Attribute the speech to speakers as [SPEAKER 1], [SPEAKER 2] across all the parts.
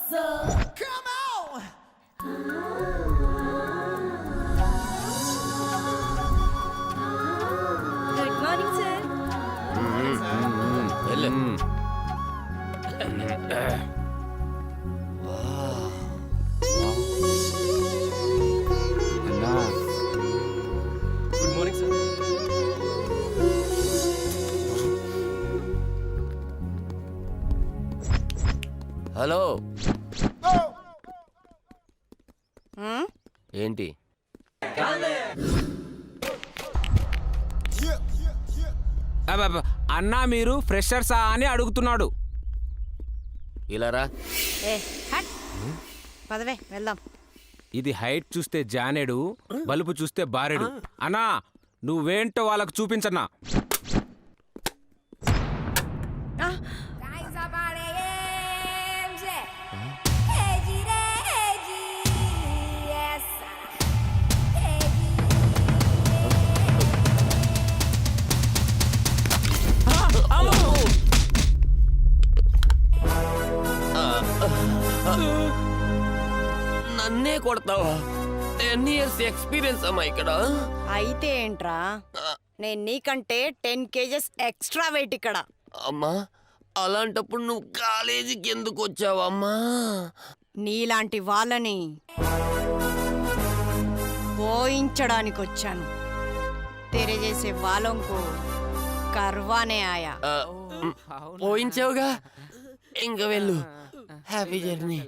[SPEAKER 1] Good morning sir.
[SPEAKER 2] Good morning sir.
[SPEAKER 3] Hello ఏంటి
[SPEAKER 4] అన్నా మీరు ఫ్రెషర్సా అని అడుగుతున్నాడు.
[SPEAKER 3] ఇలా రా.
[SPEAKER 5] ఏ హట్ పదవే వెళ్దాం.
[SPEAKER 4] ఇది హైట్ చూస్తే జానేడు, బలుపు చూస్తే బారెడు. అన్నా నువ్వేంటో వాళ్ళకు చూపించన్నా.
[SPEAKER 3] నన్నే కొడతావా? 10 years ఎక్స్పీరియన్స్ అమ్మా ఇక్కడ.
[SPEAKER 5] అయితే ఏంట్రా, నేను నీకంటే 10 kgs ఎక్స్ట్రా వెయిట్ ఇక్కడ.
[SPEAKER 3] అమ్మా అలాంటప్పుడు నువ్వు కాలేజీకి ఎందుకు వచ్చావమ్మా?
[SPEAKER 5] నీలాంటి వాళ్ళని పోయించడానికి వచ్చాను. తెరే చేసే వాళ్ళంకు కర్వానే ఆయా.
[SPEAKER 3] పోయించావుగా, ఇంకా వెళ్ళు. Happy journey.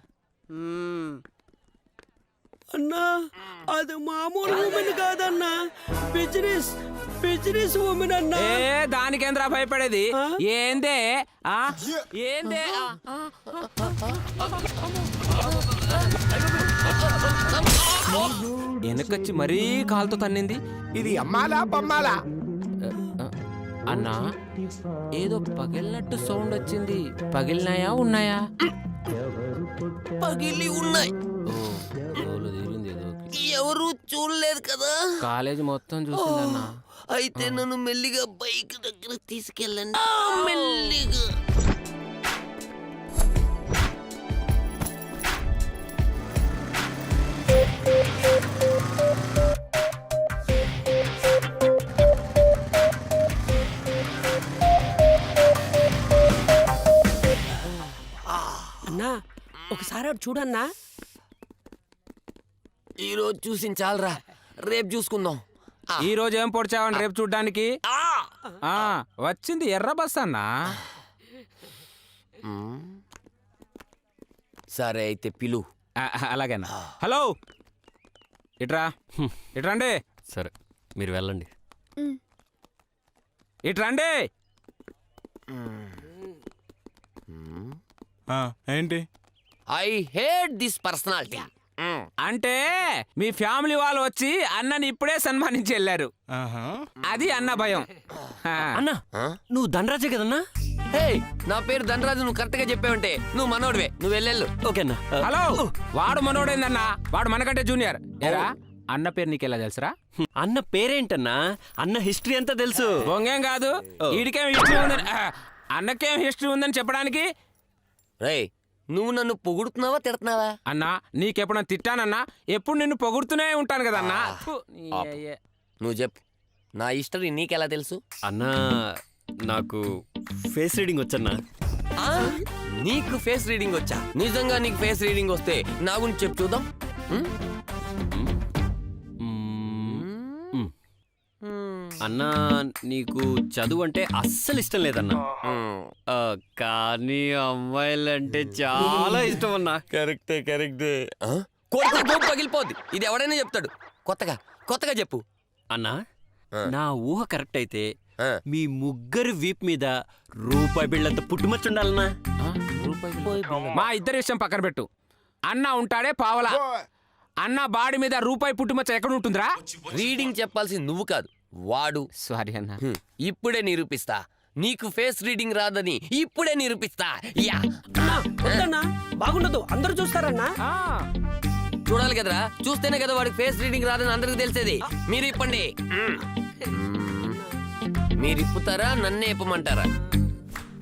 [SPEAKER 2] అన్నా అది మామూలు ఉమెన్ కాదన్నా, బిజినెస్ ఉమెన్ అన్నా.
[SPEAKER 4] ఏ దానికేంద్రా భయపడేది? ఏందే ఏందే? వెనకొచ్చి మరీ కాలుతో తన్నింది.
[SPEAKER 6] ఇది అమ్మాలా బొమ్మాలా?
[SPEAKER 4] అన్నా ఏదో పగిలినట్టు సౌండ్ వచ్చింది. పగిలినాయా ఉన్నాయా?
[SPEAKER 3] పగిలి ఉన్నాయి. ఎవరు చూడలేదు కదా.
[SPEAKER 4] కాలేజ్ మొత్తం చూసిందన్నా.
[SPEAKER 3] అయితే నన్ను మెల్లిగా బైక్ దగ్గర తీసుకెళ్ళండి. మెల్లిగా.
[SPEAKER 2] అన్నా ఒకసారి అటు చూడన్నా.
[SPEAKER 3] ఈరోజు చూసి చాలరా, రేపు చూసుకుందాం.
[SPEAKER 4] ఈ రోజు ఏం పొడిచావని రేపు చూడ్డానికి? వచ్చింది ఎర్ర బస్ అన్నా.
[SPEAKER 3] సరే అయితే పిలు.
[SPEAKER 4] అలాగేనా. హలో ఇట్రండి.
[SPEAKER 2] సరే మీరు వెళ్ళండి.
[SPEAKER 4] ఇట్రండి.
[SPEAKER 6] ఏంటి?
[SPEAKER 3] I hate this personality.
[SPEAKER 4] అంటే మీ ఫ్యామిలీ వాళ్ళు వచ్చి అన్నని ఇప్పుడే సన్మానించి వెళ్ళారు. అది అన్న భయం.
[SPEAKER 2] అన్నా నువ్వు ధనరాజే కదన్నా?
[SPEAKER 3] హే, నా పేరు ధనరాజు. నువ్వు కరెక్ట్ గా చెప్పావంటే నువ్వు మనోడివే. నువ్వు వెళ్ళెళ్ళు.
[SPEAKER 2] ఓకేనా?
[SPEAKER 4] హలో, వాడు మనోడేందన్నా? వాడు మనకంటే జూనియర్. ఏరా అన్న పేరు నీకెలా తెలుసురా?
[SPEAKER 2] అన్న పేరేంటన్నా? అన్న హిస్టరీ అంతా తెలుసు.
[SPEAKER 4] బొంగేం కాదు. వీడికేం హిస్టరీ ఉందని, అన్నకేం హిస్టరీ ఉందని చెప్పడానికి.
[SPEAKER 3] రేయ్, నువ్వు నన్ను పొగుడుతున్నావా తిడుతున్నావా?
[SPEAKER 4] అన్నా నీకెప్పుడన్నా తిట్టానన్నా? ఎప్పుడు నిన్ను పొగుడుతూనే ఉంటాను కదన్నా.
[SPEAKER 3] నువ్వు చెప్పు, నా హిస్టరీ నీకెలా తెలుసు?
[SPEAKER 2] అన్నా నాకు ఫేస్ రీడింగ్ వచ్చన్నా.
[SPEAKER 3] నీకు ఫేస్ రీడింగ్ వచ్చా? నిజంగా నీకు ఫేస్ రీడింగ్ వస్తే నా గురించి చెప్పు చూద్దాం.
[SPEAKER 2] అన్నా నీకు చదువు అంటే అస్సలు ఇష్టం లేదన్నా, కానీ అమ్మాయిలంటే చాలా ఇష్టం అన్నా.
[SPEAKER 3] కరెక్టే. పగిలిపోద్ది. ఇది ఎవడైనా చెప్తాడు. కొత్తగా చెప్పు
[SPEAKER 2] అన్నా. నా ఊహ కరెక్ట్ అయితే మీ ముగ్గురు వీప్ మీద రూపాయి బిళ్ళంత పుట్టుమచ్చు ఉండాలన్నా.
[SPEAKER 4] మా ఇద్దరి విషయం పక్కన పెట్టు. అన్న ఉంటాడే పావలా. అన్న బాడీ మీద రూపాయి పుట్టుమచ్చ ఎక్కడ ఉంటుందిరా?
[SPEAKER 3] రీడింగ్ చెప్పాల్సింది నువ్వు కాదు, వాడు.
[SPEAKER 4] సారీ అన్న.
[SPEAKER 3] ఇప్పుడే నిరూపిస్తా. నీకు ఫేస్ రీడింగ్ రాదని ఇప్పుడే నిరూపిస్తా. యా
[SPEAKER 2] బాగుండదు, అందరూ చూస్తారన్నా.
[SPEAKER 3] చూడాలి కదరా, చూస్తేనే కదా వాడికి ఫేస్ రీడింగ్ రాదని అందరికి తెలిసేది. మీరు ఇప్పండి. మీరు ఇప్పుతారా, నన్నే ఇప్పమంటారా?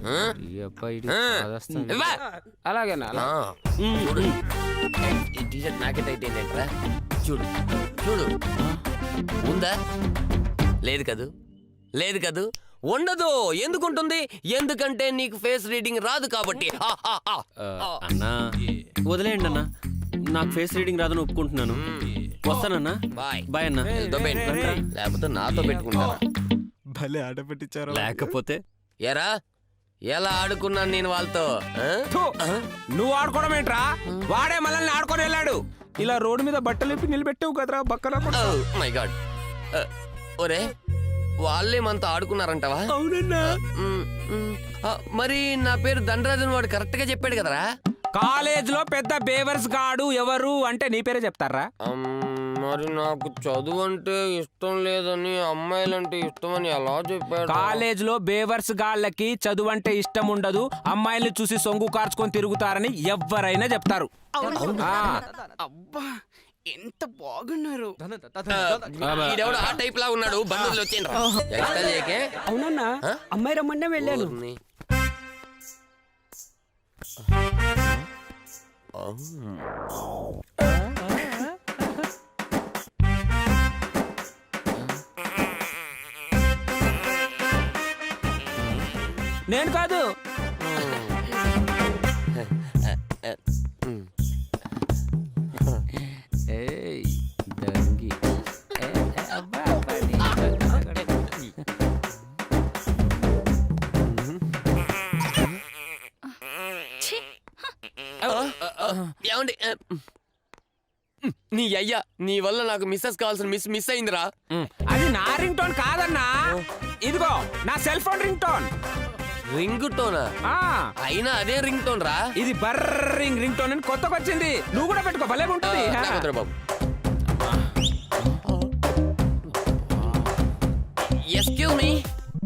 [SPEAKER 4] ఈ అబ్బాయి
[SPEAKER 3] ఆ.
[SPEAKER 4] బాధేస్తుంది.
[SPEAKER 3] ఇవ్వా.
[SPEAKER 4] అలాగేనా
[SPEAKER 3] ఆ, చూడు ఈ టీషర్ట్ నాకే టైట్ అయిందేంట్రా చూడు చూడు ఉందా లేదు కదూ లేదు కదూ ఉండదు ఎందుకుంటుంది ఎందుకంటే నీకు ఫేస్ రీడింగ్ రాదు కాబట్టి
[SPEAKER 2] అన్నా వదిలేయండి అన్నా నాకు ఫేస్ రీడింగ్ రాదని ఒప్పుకుంటున్నాను. వస్తానన్నా.
[SPEAKER 3] బాయ్
[SPEAKER 2] బాయ్ అన్నా.
[SPEAKER 3] లేకపోతే నాతో పెట్టుకుంటారా
[SPEAKER 6] భలే ఆట పెట్టించారు.
[SPEAKER 2] లేకపోతే
[SPEAKER 3] ఎరా ఎలా ఆడుకున్నాను నేను వాళ్ళతో ఆ?
[SPEAKER 4] థు, నువ్వు ఆడుకోవడం ఏంట్రా వాడే మనల్ని ఆడుకొని వెళ్ళాడు. ఇలా రోడ్డు మీద బట్టలు ఇప్పి నిలబెట్టావు కదరా బక్కరా
[SPEAKER 3] Oh my God. ఒరే వాళ్ళే మనతో ఆడుకున్నారంటవా
[SPEAKER 2] అవునన్నా.
[SPEAKER 3] మరి నా పేరు దండరాజన్ వాడు కరెక్ట్ గా చెప్పాడు కదరా
[SPEAKER 4] కాలేజ్ లో పెద్ద బేవర్స్ గాడు ఎవరు అంటే నీ పేరే చెప్తారా?
[SPEAKER 3] మరి నాకు చదువు అంటే ఇష్టం లేదని అమ్మాయిలంటే ఇష్టమని ఎలా చెప్పాడు
[SPEAKER 4] కాలేజ్ లో బేవర్స్ గాళ్ళకి చదువు అంటే ఇష్టం ఉండదు, అమ్మాయిల్ని చూసి సొంగు కార్చుకొని తిరుగుతారని ఎవరైనా చెప్తారు. ఆ,
[SPEAKER 7] అబ్బా ఎంత బాగున్నారు.
[SPEAKER 3] ఈడెవడు ఆ టైప్ లా ఉన్నాడు బంధువులు వచ్చేయండి
[SPEAKER 7] అవునన్నా అమ్మాయి రమ్మన్నా వెళ్ళాను.
[SPEAKER 4] నేను కాదు. ఏయ్, దంగి. ఏ, అబ్బా, అబ్బాడి.
[SPEAKER 3] ఏమండి నీ అయ్యా నీ వల్ల నాకు మిస్సెస్ కావాల్సిన మిస్ అయిందిరా
[SPEAKER 4] అది నా రింగ్ టోన్ కాదన్నా, ఇదిగో నా cell phone ring tone.
[SPEAKER 3] Ring టోనా
[SPEAKER 4] ఆ,
[SPEAKER 3] అయినా అదే రింగ్ టోన్ రా
[SPEAKER 4] ఇది బర్రింగ్ రింగ్ టోన్ అని కొత్తగా వచ్చింది. నువ్వు కూడా పెట్టుకో, భలే ఉంటుంది.
[SPEAKER 3] నాకొద్దురా బాబు excuse me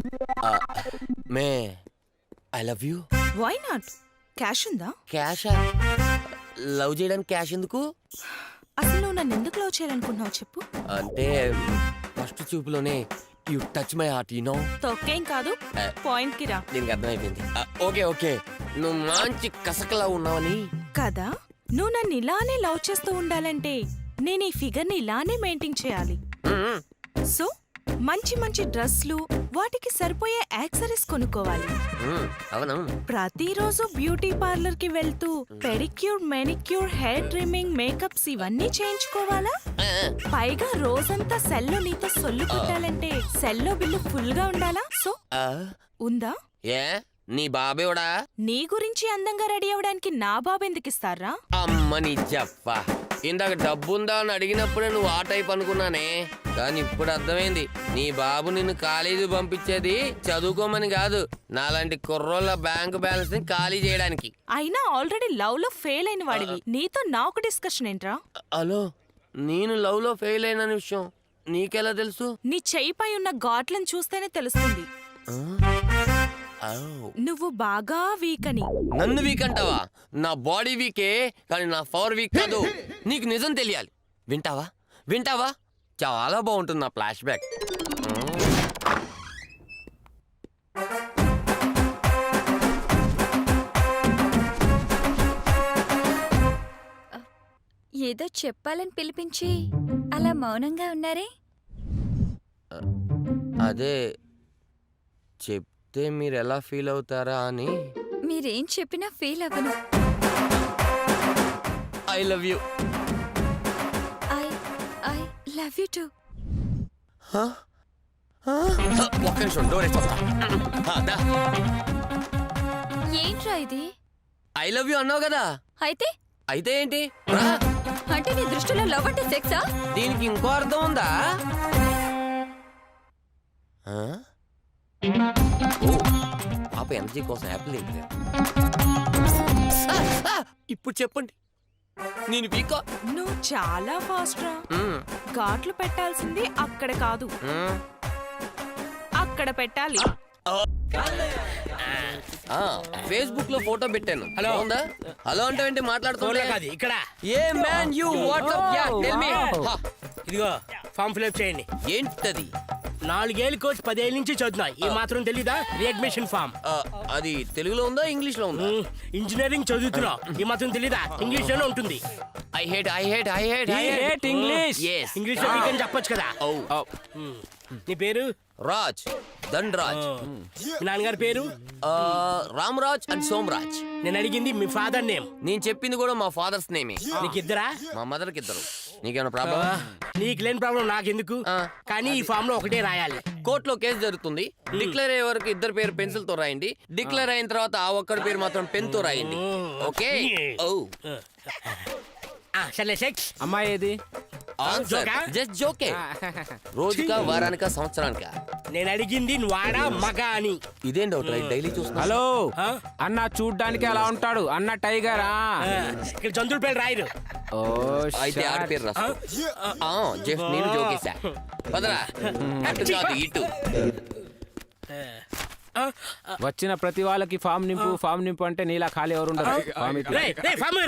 [SPEAKER 3] may I love you
[SPEAKER 1] why not? Cash ఉందా?
[SPEAKER 3] క్యాషా లవ్ చేయడానికి క్యాష్ ఎందుకు
[SPEAKER 1] అసలు నువ్వు నన్ను ఎందుకు లవ్ చేయాలనుకుంటున్నావు చెప్పు.
[SPEAKER 3] అంటే ఫస్ట్ చూపులోనే you touch my heart you know
[SPEAKER 1] తొక్కేం కాదు, పాయింట్ కి రా.
[SPEAKER 3] దీనికి అర్థమైపోయింది ఓకే ఓకే నువ్వు మంచి కసకలా ఉన్నావని
[SPEAKER 1] కదా, నువ్వు నన్ను ఇలానే లవ్ చేస్తూ ఉండాలంటే నేను ఈ ఫిగర్ ని ఇలానే మెయింటైన్ చేయాలి. సో మంచి మంచి డ్రెస్లు, వాటికి సరిపోయే యాక్సరీస్ కొనుక్కోవాలి.
[SPEAKER 3] అవునవును
[SPEAKER 1] ప్రతిరోజు బ్యూటీ పార్లర్ కి వెళ్తూ pedicure, manicure, hair trimming, makeups ఇవన్నీ చేయించుకోవాలా? పైగా రోజంతా సెల్లో నీతో సొల్లు కొట్టాలంటే సెల్లో బిల్లు ఫుల్ గా ఉండాలా? సో ఉందా?
[SPEAKER 3] ఏ నీ బాబేవడా
[SPEAKER 1] నీ గురించి అందంగా రెడీ అవడానికి నా బాబు ఎందుకు ఇస్తారా?
[SPEAKER 3] అమ్మ నీ జప్ప ఇందాక డబ్బుందా అని అడిగినప్పుడే నువ్వు ఆ టైప్ అనుకున్నానే, కానీ ఇప్పుడు అర్థమైంది నీ బాబు నిన్ను కాలేజీ పంపించేది చదువుకోమని కాదు, నాలాంటి కుర్రోళ్ళ బ్యాంక్ బ్యాలెన్స్ ని ఖాళీ చేయడానికి.
[SPEAKER 1] అయినా ఆల్రెడీ లవ్ లో ఫెయిల్ అయిన వాడివి, నీతో నాకు డిస్కషన్ ఏంట్రా?
[SPEAKER 3] హలో నేను లవ్ లో ఫెయిల్ అయిన విషయం నీకెలా తెలుసు?
[SPEAKER 1] నీ చెయ్యిపై ఉన్న ఘాట్లను చూస్తేనే తెలుస్తుంది నువ్వు బాగా వీక్ అని.
[SPEAKER 3] నన్ను వీక్ అంటావా? నా బాడీ వీకే కానీ నా పవర్ వీక్ కాదు. నీకు నిజం తెలియాలి. వింటావా వింటావా? చాలా బాగుంటుంది నా ఫ్లాష్ బ్యాక్.
[SPEAKER 8] ఏదో చెప్పాలని పిలిపించి అలా మౌనంగా ఉన్నారే?
[SPEAKER 3] అదే చెప్తే మీరు ఎలా ఫీల్ అవుతారా అని.
[SPEAKER 8] మీరేం చెప్పినా ఫీల్ అవ్వను.
[SPEAKER 3] I love you.
[SPEAKER 8] I love you too.
[SPEAKER 3] ఒక్క నిమిషం డోర్ వేస్తా.
[SPEAKER 8] ఏంట్రా ఇది?
[SPEAKER 3] ఐ లవ్ యూ అన్నావు కదా,
[SPEAKER 8] అయితే
[SPEAKER 3] అయితే ఏంటి?
[SPEAKER 8] అంటే నీ దృష్టిలో లవ్ అంటే సెక్సా?
[SPEAKER 3] దీనికి ఇంకో అర్థం ఉందా? పాప ఎనర్జీ కోసం యాపిల్ తింటే ఇప్పుడు చెప్పండి నేను వీకా?
[SPEAKER 1] నువ్వు చాలా ఫాస్ట్ రా. ఘాట్లు పెట్టాల్సింది అక్కడ కాదు, అక్కడ పెట్టాలి.
[SPEAKER 3] ఫేస్బుక్ లో ఫోటో పెట్టాను. హలో ఉందా? హలో అంటే ఏంటి మాట్లాడుతున్నా?
[SPEAKER 7] ఇక్కడ
[SPEAKER 3] ఏ man you what's up yeah tell me.
[SPEAKER 7] ఇదిగో ఫామ్ ఫిల్అప్ చేయండి.
[SPEAKER 3] ఏంటది?
[SPEAKER 9] 4 కోర్స్ 10 ఏళ్ళ నుంచి చదువుతున్నా ఈ మాత్రం తెలీదా రీఅడ్మిషన్ ఫామ్
[SPEAKER 3] అది తెలుగులో ఉందా ఇంగ్లీష్ లో ఉందా?
[SPEAKER 9] ఇంజనీరింగ్ చదువుతున్నా ఈ మాత్రం తెలీదా ఇంగ్లీష్ లోనే ఉంటుంది
[SPEAKER 3] I hate
[SPEAKER 2] English
[SPEAKER 3] yes
[SPEAKER 9] English లో వీకెండ్ చెప్పొచ్చు కదా
[SPEAKER 3] oh
[SPEAKER 9] నీ పేరు
[SPEAKER 3] రాజ్ దండరాజ్
[SPEAKER 9] మీ నాన్నగారి పేరు
[SPEAKER 3] రామరాజ్ అండ్ సోమరాజ్.
[SPEAKER 9] నేను అడిగింది మీ ఫాదర్ నేమ్
[SPEAKER 3] నేను చెప్పింది కూడా మా ఫాదర్స్ నేమే.
[SPEAKER 9] నీకు ఇద్దరా
[SPEAKER 3] మా మదర్ కి ఇద్దరు. నీకేమైనా ప్రాబ్లం?
[SPEAKER 9] నీకు లేని ప్రాబ్లం నాకెందుకు కానీ ఈ ఫామ్ లో ఒకటే రాయాలి
[SPEAKER 3] కోర్టులో కేసు జరుగుతుంది. డిక్లేర్ అయ్యే వరకు ఇద్దరు పేరు పెన్సిల్ తో రాయండి. డిక్లేర్ అయిన తర్వాత ఆ ఒక్కడి పేరు మాత్రం పెన్ తో రాయండి. ఓకే? ఓ
[SPEAKER 9] సర్లే సెక్స్
[SPEAKER 2] అమ్మాయి ఏది?
[SPEAKER 3] ఆన్సర్ జస్ట్ జోకే. రోజుకా వారానికా సంవత్సరానికా?
[SPEAKER 9] నేను అడిగింది నువ్వు ఆడా మగ అని
[SPEAKER 3] ఇదేం డౌట్ డైలీ చూస్తున్నా.
[SPEAKER 2] హలో
[SPEAKER 9] ఆ?
[SPEAKER 2] అన్న చూడ్డానికి అలా ఉంటాడు అన్న టైగరా?
[SPEAKER 9] ఇక్కడ జంతువుల పేరు రాయరు
[SPEAKER 2] ఓ
[SPEAKER 3] అయితే ఆడి పేరు రాసుకో. జస్ట్ నేను జోకేసా. పదరా అటు కాదు ఇటు.
[SPEAKER 2] వచ్చిన ప్రతి వాళ్ళకి ఫామ్ నింపు అంటే నీలా ఖాళీ ఎవరు ఉండరు.
[SPEAKER 9] రేయ్, రేయ్, ఫామ్